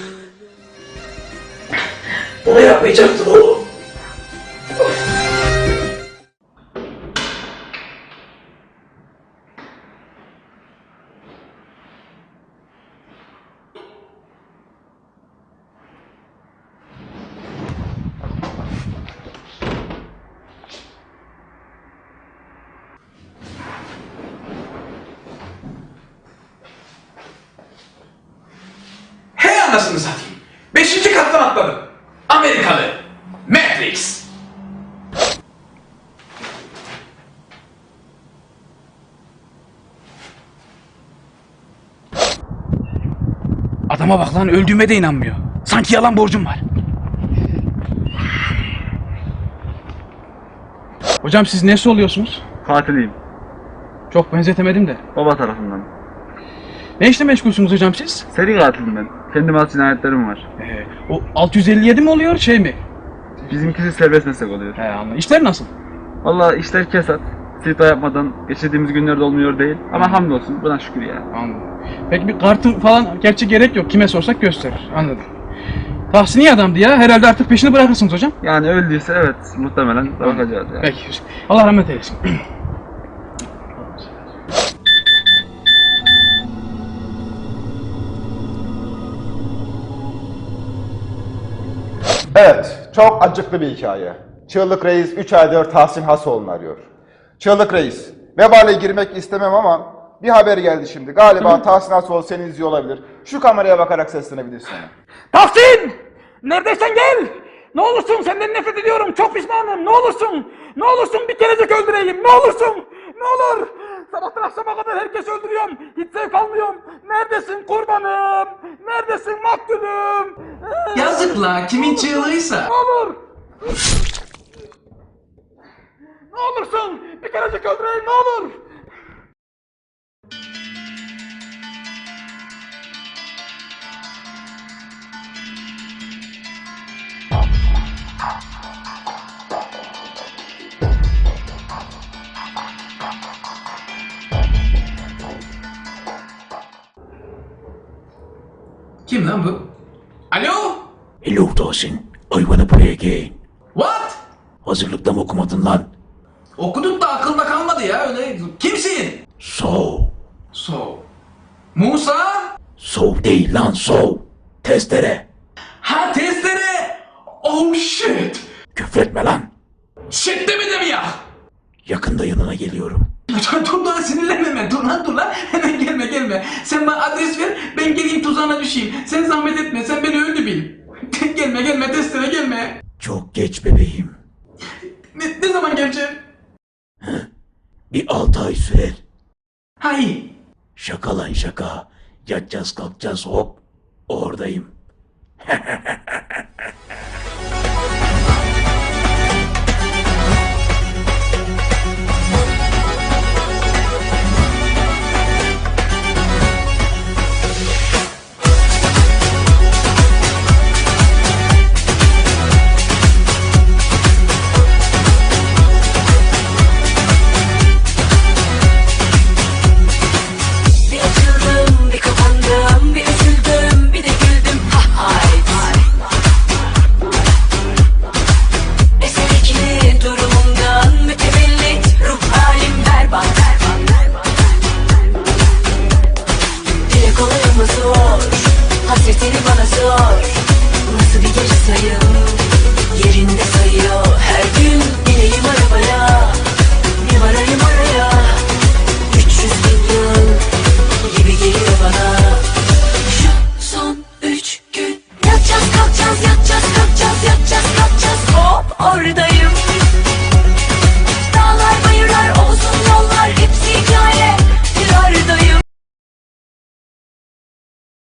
Bunu yapmayacaktın oğlum. Anasını satayım. 5. kattan atladım. Amerikalı. Matrix. Adama bak lan, öldüğüme de inanmıyor. Sanki yalan borcum var. Hocam siz nesi oluyorsunuz? Katiliyim. Çok benzetemedim de. Baba tarafından. Ne işle meşgulsünüz hocam siz? Seri katilim ben. Kendime has cinayetlerim var. O 657 mi oluyor şey mi? Bizimkisi serbest meslek oluyor. Anladım. İşler nasıl? Vallahi işler kesat. Sita yapmadan geçirdiğimiz günlerde olmuyor değil. Ama hamdolsun buna şükür ya. Anladım. Peki bir kartın falan gerçi gerek yok. Kime sorsak gösterir. Anladım. Tahsini adamdı ya. Herhalde artık peşini bırakırsınız hocam. Yani öldüyse evet muhtemelen bakacağız ya. Peki. Allah rahmet eylesin. Evet, çok acıklı bir hikaye. Çığlık Reis 3 aydır Tahsin Hasoğlu'nu arıyor. Çığlık Reis, vebale girmek istemem ama bir haber geldi şimdi. Galiba Tahsin Hasoğlu seni izliyor olabilir. Şu kameraya bakarak seslenebilirsin. Tahsin! Neredeysen gel! Ne olursun senden nefret ediyorum. Çok pişmanım. Ne olursun! Ne olursun bir kerecik öldüreyim. Ne olursun! Ne olur! Sabahtan akşama kadar herkes öldürüyorum. Hiç zevk almıyorum. Neredesin kurbanım? Neredesin maktulüm? Yazık la, kimin çığlığıysa. Ne olur! Ne olursun! Bir kerecik öldüreyim ne olur! Kim lan bu? Alo? Hello Tahsin, I wanna play again. What? Hazırlıkta mı okumadın lan? Okuduk da akılda kalmadı ya öyle. Kimsin? So. Musa? So değil lan so. Testere. Ha testere. Oh shit. Küfretme lan. Shit demedim ya. Yakında yanına geliyorum. Dur lan sinirlenme hemen. Dur lan. Hemen gelme. Sen bana adres ver. Ben geleyim tuzağına düşeyim. Sen zahmet etme. Sen beni öldü bil. gelme testere gelme. Çok geç bebeğim. Ne zaman geleceğim? Bir 6 ay sürer. Hayır. Şaka lan şaka. Yatacağız kalkacağız hop. Oradayım. Hasretini bana sor. Nasıl bir geri sayım?